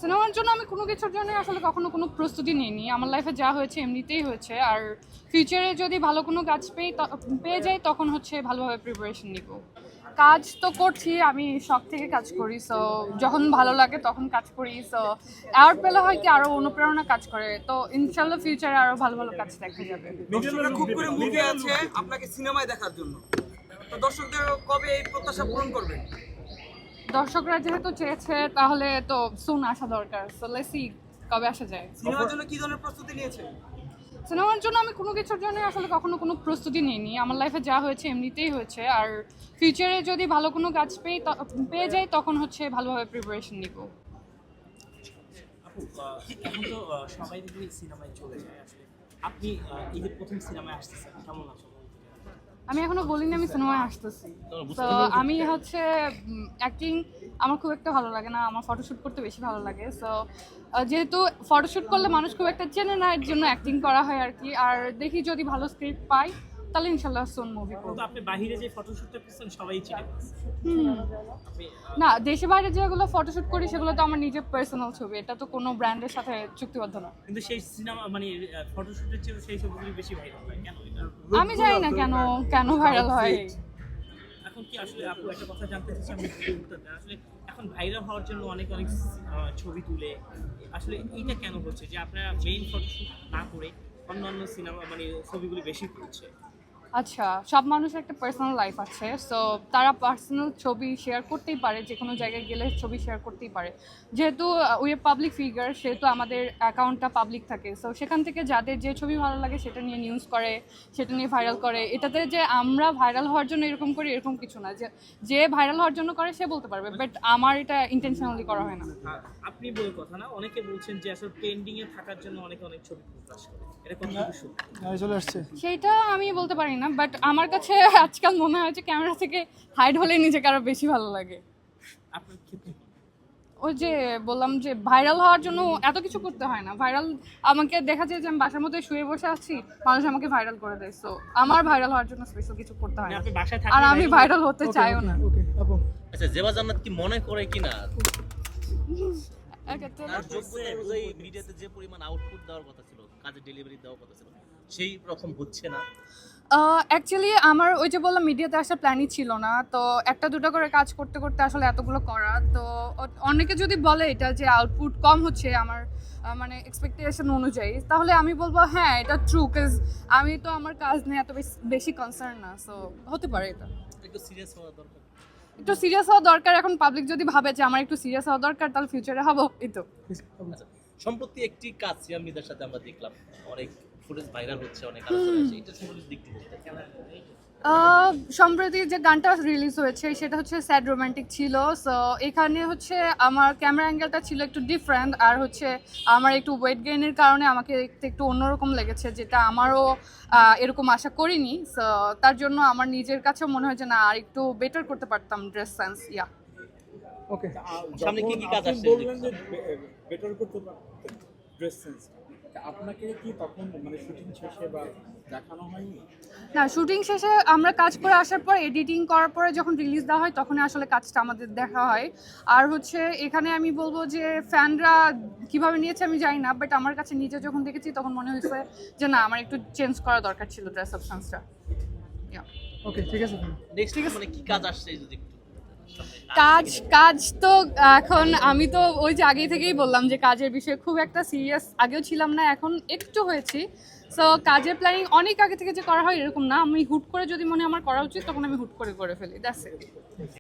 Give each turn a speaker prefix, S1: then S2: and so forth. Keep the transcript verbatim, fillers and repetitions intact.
S1: সিনেমার জন্য আমি কোনো কিছুর জন্য আসলে কখনো কোনো প্রস্তুতি নিইনি। আমার লাইফে যা হয়েছে এমনিতেই হয়েছে। আর ফিউচারে যদি ভালো কোনো কাজ পেই পেয়ে যাই তখন হচ্ছে ভালোভাবে প্রিপারেশন নিব। কাজ তো করছি, আমি শখ থেকে কাজ করি, সো যখন ভালো লাগে তখন কাজ করি। সো অ্যাওয়ার্ড পেলে হয় কি আরও অনুপ্রেরণা কাজ করে, তো ইনশাল্লাহ ফিউচারে আরও ভালো ভালো কাজ দেখা যাবে।
S2: দর্শকরা খুব করে মুভি আছে আপনাকে সিনেমায় দেখার জন্য, তো দর্শকদের কবে এই প্রত্যাশা পূরণ করবেন?
S1: দর্শকরা যেহেতু চেয়েছে তাহলে তো সুন আসা দরকার, সো লেটস সি কবে আসা যায়।
S2: সিনেমার জন্য কি ধরনের প্রস্তুতি নিয়েছে?
S1: সিনেমার জন্য আমি কোনো কিছুর জন্য আসলে কখনো কোনো প্রস্তুতি নিইনি। আমার লাইফে যা হয়েছে এমনিতেই হয়েছে। আর ফিউচারে যদি ভালো কোনো কাজ পেই পেয়ে যাই তখন হচ্ছে ভালোভাবে প্রিপারেশন নিব।
S3: আপু আহ, এখন তো আহ, সবাই দেখি সিনেমায় চলে যায় আসলে আপনি আহ, ঈদের প্রথম সিনেমায় আসতেছেন কেমন আছো?
S1: আমি এখনো বলিনি আমি সিনেমায় আসতেছি। তো আমি হচ্ছে অ্যাক্টিং আমার খুব একটা ভালো লাগে না, আমার ফটোশ্যুট করতে বেশি ভালো লাগে। সো যেহেতু ফটোশ্যুট করলে মানুষ খুব একটা চেনে না, এর জন্য অ্যাক্টিং করা হয় আর কি। আর দেখি যদি ভালো স্ক্রিপ্ট পাই তাহলে ইনশাল্লাহ সোন মুভি করব।
S3: কিন্তু আপনি বাইরে যে ফটোশুটটা করছেন সবাই চিনে ফেলছে।
S1: হুম
S3: আপনি
S1: না, দেশে বাইরে যেগুলো ফটোশ্যুট করি সেগুলো তো আমার নিজের পার্সোনাল ছবি, এটা তো কোনো ব্র্যান্ডের সাথে চুক্তিবদ্ধ না।
S3: কিন্তু সেই সিনেমা মানে ফটোশুটের চেয়ে সেই ছবিগুলি বেশি ভাইরাল হয় কেন এটা?
S1: আমি জানি না কেন কেন ভাইরাল হয়।
S3: এখন কি আসলে আপু একটা কথা জানতে চাচ্ছি, আমি যদি উত্তর দেন আসলে এখন ভাইরাল হওয়ার জন্য অনেক অনেক আহ, ছবি তুলে আসলে এইটা কেন হচ্ছে যে আপনারা মেইন ফটোশুট না করে অন্যান্য সিনেমা মানে ছবিগুলি বেশি করছে?
S1: আচ্ছা, সব মানুষের একটা পার্সোনাল লাইফ আছে, সো তারা পার্সোনাল ছবি শেয়ার করতেই পারে, যে কোনো জায়গায় গেলে ছবি শেয়ার করতেই পারে। যেহেতু উই আর পাবলিক ফিগার, সেহেতু আমাদের অ্যাকাউন্টটা পাবলিক থাকে, সো সেখান থেকে যাদের যে ছবি ভালো লাগে সেটা নিয়ে নিউজ করে, সেটা নিয়ে ভাইরাল করে। এটাতে যে আমরা ভাইরাল হওয়ার জন্য এরকম করি এরকম কিছু না, যে যে ভাইরাল হওয়ার জন্য করে সে বলতে পারবে, বাট আমার এটা ইন্টেনশনালি করা হয় না।
S3: আর আপনি বলে কথা না, অনেকে বলছেন যে আসলে ট্রেন্ডিং এ থাকার জন্য অনেকে অনেক ছবি প্রকাশ করে, এটা কতটুকু সত্যি?
S4: চলে আসছে
S1: সেইটা আমি বলতে পারি না, বাট আমার কাছে আজকাল মনে হয় যে ক্যামেরা থেকে হাইড হলে নিজেকে আরো বেশি ভালো লাগে।
S3: আপনার ক্ষেত্রে কি?
S1: ওই যে বললাম যে ভাইরাল হওয়ার জন্য এত কিছু করতে হয় না। ভাইরাল আমাকে দেখা যায় যে আমি বাসার মধ্যে শুয়ে বসে আছি, মানুষ আমাকে ভাইরাল করে দেয়। সো আমার ভাইরাল হওয়ার জন্য স্পেশাল কিছু করতে হয়
S3: মানে
S1: না,
S3: আপনি বাসায়
S1: আর
S3: থাকলে
S1: আমি ভাইরাল হতে চাইও না।
S4: ওকে আপু
S5: আচ্ছা, জেবা জান্নাত কি মনে করে কিনা
S1: এক্ষেত্রে
S5: তার যোগ্যতা অনুযায়ী মিডিয়াতে যে পরিমাণ আউটপুট দেওয়ার কথা ছিল, কাজে ডেলিভারি দেওয়ার কথা ছিল, সেই রকম হচ্ছে না?
S1: অ্যাকচুয়ালি আমার ওই যে বললাম মিডিয়াতে আসার প্ল্যানই ছিল না, তো একটা দুটো করে কাজ করতে করতে আসলে এতগুলো করা, তো অ- অনেকে যদি বলে এটা যে আউটপুট কম হচ্ছে আমার আহ, মানে এক্সপেকটেশন অনুযায়ী, তাহলে আমি বলবো হ্যাঁ এটা ট্রু, কাজ আমি তো আমার কাজ নিয়ে এত বেশ- বেশি কনসার্ন না, সো হতে পারে এটা।
S5: একটু সিরিয়াস হওয়া দরকার।
S1: একটু সিরিয়াস হওয়া দরকার। এখন পাবলিক যদি ভাবে যে আমার একটু সিরিয়াস হওয়া দরকার তাহলে ফিউচারে হবো, এই তো।
S5: আচ্ছা, সম্প্রতি একটি কাজ সিয়াম মির্জার সাথে আমরা দেখলাম, অনেক ফুটেজ ভাইরাল হচ্ছে, অনেক আলোচনা হচ্ছে, এটা সম্পর্কে দিক থেকে
S1: আহ, সম্প্রতি যে গানটা রিলিজ হয়েছে সেটা হচ্ছে স্যাড রোমান্টিক ছিল। সো এখানে হচ্ছে আমার ক্যামেরা অ্যাঙ্গেলটা ছিল একটু ডিফারেন্ট, আর হচ্ছে আমার একটু ওয়েট গেইনের কারণে আমাকে দেখতে একটু অন্যরকম লেগেছে, যেটা আমারও আহ, এরকম আশা করিনি। সো তার জন্য আমার নিজের কাছেও মনে হয় যে না আর একটু বেটার করতে পারতাম ড্রেস সেন্স। ইয়া
S4: ওকে
S5: সামনে কি কি কাজ আসছে?
S6: বললেন যে বেটার করতে পারতেন ড্রেস সেন্স, আপনাকে কি তখন মানে শুটিং শেষে বা দেখানো হয়নি?
S1: না, শুটিং শেষে আমরা কাজ করে আসার পর এডিটিং করার পরে যখন রিলিজ দেওয়া হয় তখন আসলে কাজটা আমাদের দেখা হয়। আর হচ্ছে এখানে আমি বলবো যে ফ্যানরা কিভাবে নিয়েছে আমি জানি না, বাট আমার কাছে নিজে যখন দেখেছি তখন মনে হয়েছে যে না আমার একটু চেঞ্জ করা দরকার ছিল ড্রেস আপ সেন্সটা।
S4: ওকে ঠিক আছে
S5: নেক্সট মানে কি কাজ আসছে যদি একটু সামনে
S1: কাজ কাজ তো এখন আমি তো ওই যে আগে থেকেই বললাম যে কাজের বিষয়ে খুব একটা সিরিয়াস আগেও ছিলাম না, এখন একটু হয়েছি। সো কাজের প্ল্যানিং অনেক আগে থেকে যে করা হয় এরকম না, আমি হুট করে যদি মনে হয় আমার করা উচিত তখন আমি হুট করে করে ফেলি, দ্যাটস ইট।